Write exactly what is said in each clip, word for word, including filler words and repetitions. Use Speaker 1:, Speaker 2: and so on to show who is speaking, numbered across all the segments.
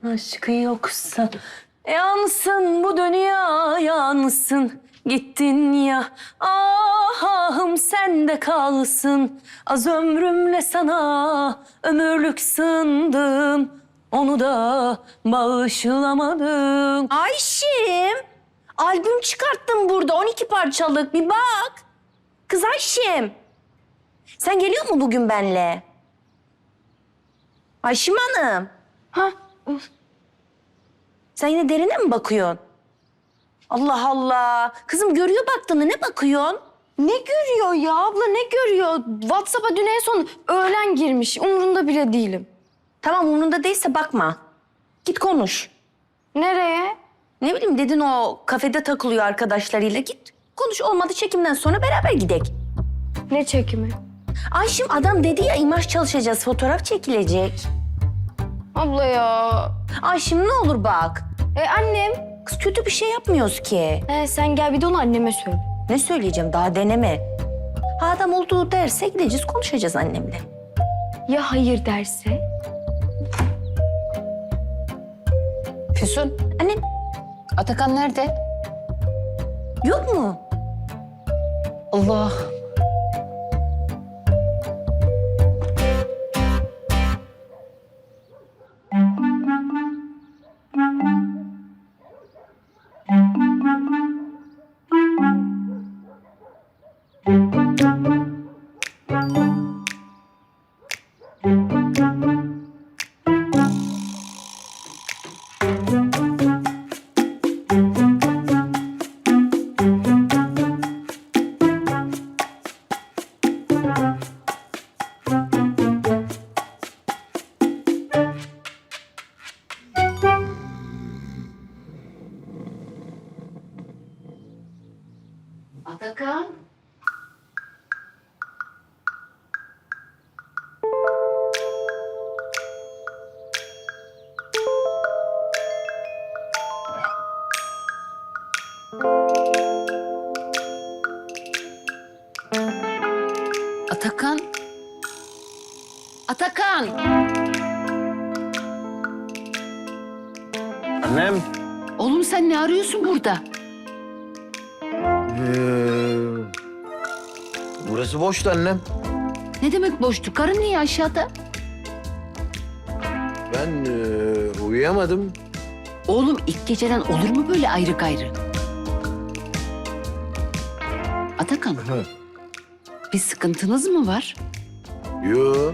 Speaker 1: Aşkı yoksa yansın bu dünya yansın. Gittin ya ahım sende kalsın. Az ömrümle sana ömürlük sındım. Onu da bağışlamadım.
Speaker 2: Ayşim, albüm çıkarttım burada on iki parçalık bir bak. Kız Ayşim, sen geliyor mu bugün benle? Ayşim Hanım.
Speaker 1: Ha?
Speaker 2: Sen yine derine mi bakıyorsun? Allah Allah. Kızım görüyor baktığını ne bakıyorsun?
Speaker 3: Ne görüyor ya abla ne görüyor? WhatsApp'a dün en son öğlen girmiş. Umurunda bile değilim.
Speaker 2: Tamam umurunda değilse bakma. Git konuş.
Speaker 3: Nereye?
Speaker 2: Ne bileyim dedin o kafede takılıyor arkadaşlarıyla. Git konuş olmadı çekimden sonra beraber gidek.
Speaker 3: Ne çekimi?
Speaker 2: Ayşim adam dedi ya imaj çalışacağız fotoğraf çekilecek.
Speaker 3: Abla ya.
Speaker 2: Ayşim ne olur bak.
Speaker 3: E annem.
Speaker 2: Kız kötü bir şey yapmıyoruz ki.
Speaker 3: He, sen gel bir de onu anneme söyle.
Speaker 2: Ne söyleyeceğim daha deneme. Ha adam olduğu derse gideceğiz konuşacağız annemle.
Speaker 3: Ya hayır derse?
Speaker 4: Füsun,
Speaker 2: Annem
Speaker 4: Atakan nerede?
Speaker 2: yok mu?
Speaker 4: Allah. Atakan. Atakan. Atakan.
Speaker 5: Annem.
Speaker 4: Oğlum sen ne arıyorsun burada?
Speaker 5: Ee, burası boştu annem.
Speaker 4: Ne demek boştu? Karın niye aşağıda?
Speaker 5: Ben e, uyuyamadım.
Speaker 4: Oğlum ilk geceden olur mu böyle ayrı gayrı? Atakan,
Speaker 5: Hı.
Speaker 4: bir sıkıntınız mı var?
Speaker 5: Yo.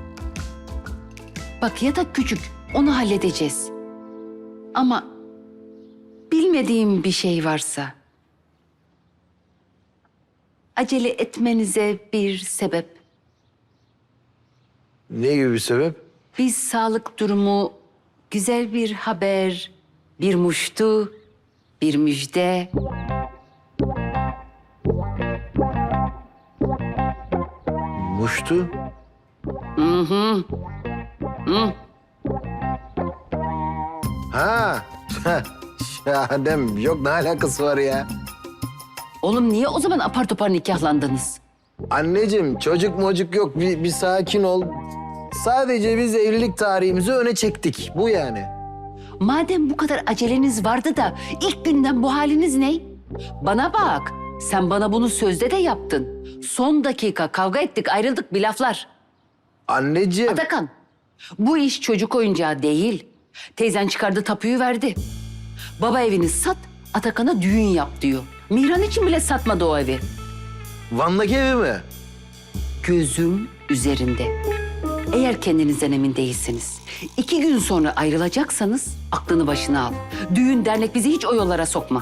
Speaker 4: Bak yatak küçük, onu halledeceğiz. Ama bilmediğim bir şey varsa... acele etmenize bir sebep.
Speaker 5: Ne gibi bir sebep?
Speaker 4: Biz sağlık durumu, güzel bir haber, bir muştu, bir müjde.
Speaker 5: Muştu.
Speaker 4: Hı hı. Hı.
Speaker 5: Ha. Ya annem yok ne alakası var ya?
Speaker 4: Oğlum niye o zaman apar topar nikahlandınız?
Speaker 5: Anneciğim çocuk mocuk yok bir, bir sakin ol. Sadece biz evlilik tarihimizi öne çektik. Bu yani.
Speaker 4: Madem bu kadar aceleniz vardı da ilk günden bu haliniz ne? Bana bak, sen bana bunu sözde de yaptın. Son dakika kavga ettik, ayrıldık bir laflar.
Speaker 5: Anneciğim.
Speaker 4: Atakan, bu iş çocuk oyuncağı değil. Teyzen çıkardı tapuyu verdi. Baba evini sat, Atakan'a düğün yap diyor. Mihran için bile satmadı o evi.
Speaker 5: Van'daki evi mi?
Speaker 4: Gözüm üzerinde. Eğer kendinizden emin değilseniz, iki gün sonra ayrılacaksanız aklını başına al. Düğün dernek bizi hiç o yollara sokma.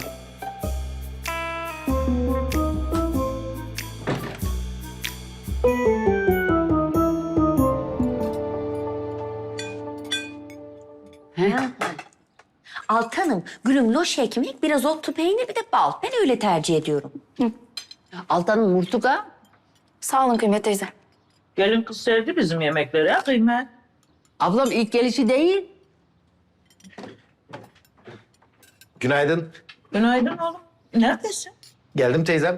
Speaker 4: He?
Speaker 2: Altanım, gülüm loş ekmek, biraz otlu peynir bir de bal. Ben öyle tercih ediyorum.
Speaker 4: Altan Murtuga.
Speaker 3: Sağ olun Kıymet teyze.
Speaker 6: Gelin kız sevdi bizim yemekleri ha Kıymet.
Speaker 4: Ablam ilk gelişi değil.
Speaker 5: Günaydın.
Speaker 6: Günaydın oğlum. Neredesin?
Speaker 5: Geldim teyzem.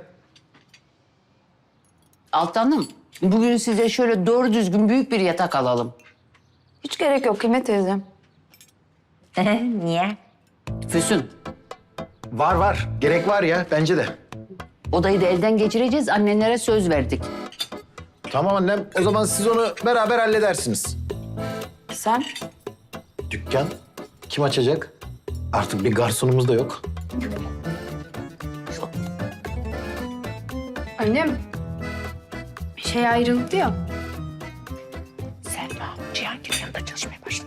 Speaker 4: Altanım, bugün size şöyle doğru düzgün büyük bir yatak alalım.
Speaker 3: Hiç gerek yok Kıymet teyze.
Speaker 2: Niye?
Speaker 4: Füsun,
Speaker 5: Var var. Gerek var ya bence de.
Speaker 4: odayı da elden geçireceğiz. Annenlere söz verdik.
Speaker 5: Tamam annem. O zaman siz onu beraber halledersiniz.
Speaker 2: Sen?
Speaker 5: Dükkan kim açacak? Artık bir garsonumuz da yok.
Speaker 3: Annem. Şey ayrıldı ya.
Speaker 2: Selma, Cihangir'in yanında çalışmaya başladı.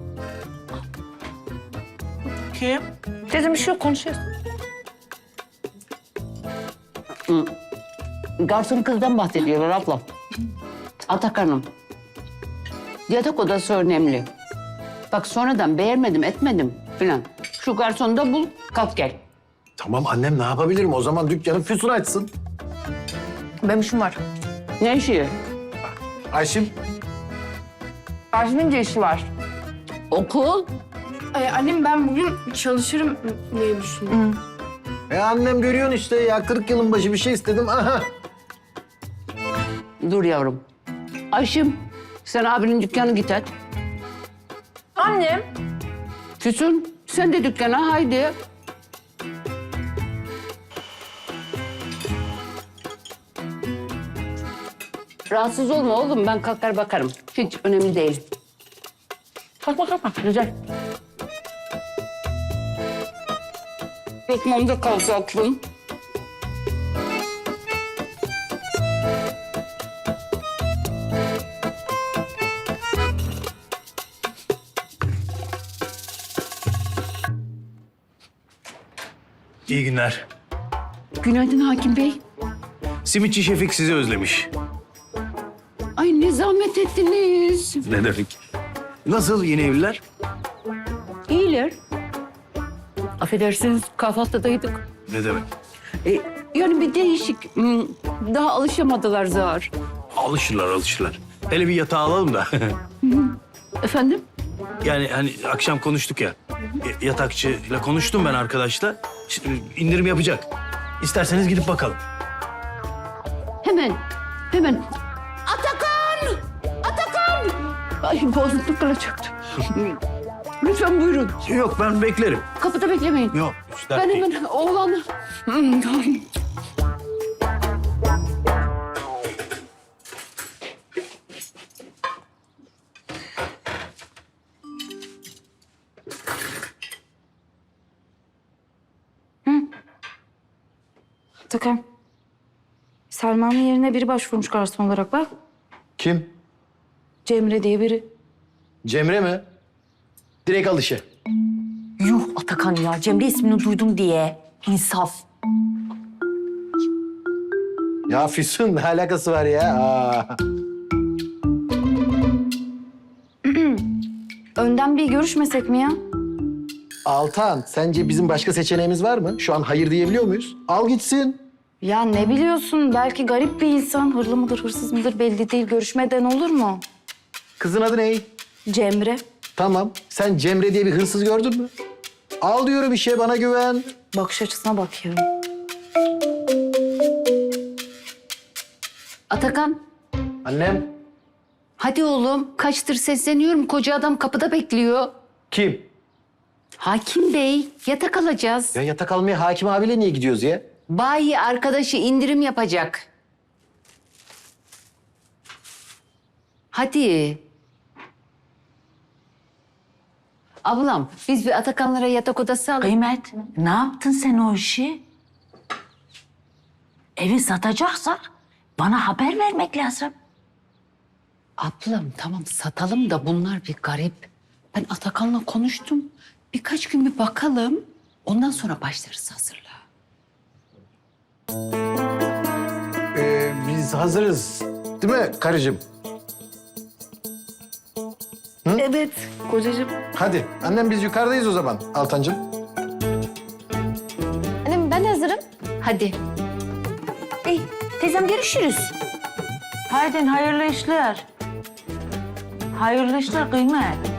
Speaker 6: Kim?
Speaker 2: Dedim bir şey yok, konuşuyoruz.
Speaker 4: Garson kızdan bahsediyorlar abla. Atakan'ım. Yatak odası önemli. Bak sonradan beğenmedim etmedim filan. Şu garsonu da bul, kalk gel.
Speaker 5: Tamam annem ne yapabilirim? O zaman dükkanı Füsun açsın.
Speaker 2: Benim işim var.
Speaker 4: Ne işi?
Speaker 5: Ayşim.
Speaker 2: Arjim'in de işi var.
Speaker 4: Okul.
Speaker 3: Ay, annem ben bugün çalışırım diye düşündüm.
Speaker 5: E annem görüyorsun işte ya kırk yılın başı bir şey istedim. Aha.
Speaker 4: Dur yavrum. Ayşim, sen abinin dükkanı git et.
Speaker 2: Annem.
Speaker 4: Füsun, sen de dükkana haydi. Rahatsız olma oğlum, ben kalkar bakarım. Hiç önemli değil.
Speaker 2: Kalkma kalkma, güzel.
Speaker 4: Lokmamda kalsa aklım.
Speaker 7: İyi günler.
Speaker 4: Günaydın Hakim Bey.
Speaker 7: Simitçi Şefik sizi özlemiş.
Speaker 4: Ay ne zahmet ettiniz.
Speaker 7: Ne demek? Nasıl yeni evliler?
Speaker 4: İyiler. Affedersiniz kahvaltıdaydık.
Speaker 7: Ne demek?
Speaker 4: E, yani bir değişik. hmm, Daha alışamadılar zar.
Speaker 7: Alışırlar alışırlar. Hele bir yatağı alalım da.
Speaker 4: Efendim?
Speaker 7: Yani hani akşam konuştuk ya. y- Yatakçıyla konuştum ben arkadaşla. Şimdi indirim yapacak. İsterseniz gidip bakalım.
Speaker 4: Hemen. Hemen. Atakan! Atakan! Ay boğazım kalacaktı. Lütfen buyurun.
Speaker 7: Yok ben beklerim.
Speaker 4: Kapıda beklemeyin.
Speaker 7: Yok. hiç dert
Speaker 4: Ben
Speaker 7: değil.
Speaker 4: hemen oğlanı... Hmm,
Speaker 8: Atakan. Selma'nın yerine biri başvurmuş garson olarak bak.
Speaker 5: Kim?
Speaker 8: Cemre diye biri.
Speaker 5: Cemre mi? Direkt al işe.
Speaker 2: Yuh Atakan ya, Cemre ismini duydum diye. İnsaf.
Speaker 5: Ya Füsun ne alakası var ya? Aa.
Speaker 8: Önden bir görüşmesek mi ya?
Speaker 5: Altan sence bizim başka seçeneğimiz var mı? Şu an hayır diyebiliyor muyuz? Al gitsin.
Speaker 8: Ya ne biliyorsun? Belki garip bir insan. Hırlı mıdır, hırsız mıdır belli değil. Görüşmeden olur mu?
Speaker 5: Kızın adı ne?
Speaker 8: Cemre.
Speaker 5: Tamam. Sen Cemre diye bir hırsız gördün mü? Al diyorum işe bana güven.
Speaker 8: Bakış açısına bak ya.
Speaker 4: Atakan,
Speaker 5: Annem.
Speaker 4: hadi oğlum. Kaçtır sesleniyorum. Koca adam kapıda bekliyor.
Speaker 5: Kim?
Speaker 4: Hakim Bey, yatak alacağız.
Speaker 5: Ya yatak almaya Hakim abiyle niye gidiyoruz ya?
Speaker 4: Bayi arkadaşı indirim yapacak. Hadi. Ablam, biz bir Atakanlara yatak odası alalım.
Speaker 1: Kıymet, ne yaptın sen o işi? Evi satacaksak bana haber vermek lazım.
Speaker 4: Ablam tamam satalım da bunlar bir garip. Ben Atakan'la konuştum. Birkaç gün bir bakalım. Ondan sonra başlarız hazırlığa.
Speaker 5: Ee, biz hazırız. Değil mi karıcığım?
Speaker 8: Evet kocacığım.
Speaker 5: Hadi. Annem biz yukarıdayız o zaman Altancığım.
Speaker 3: Annem ben hazırım.
Speaker 4: Hadi.
Speaker 2: İyi, teyzem görüşürüz.
Speaker 1: Haydi hayırlı işler. Hayırlı işler Kıymet.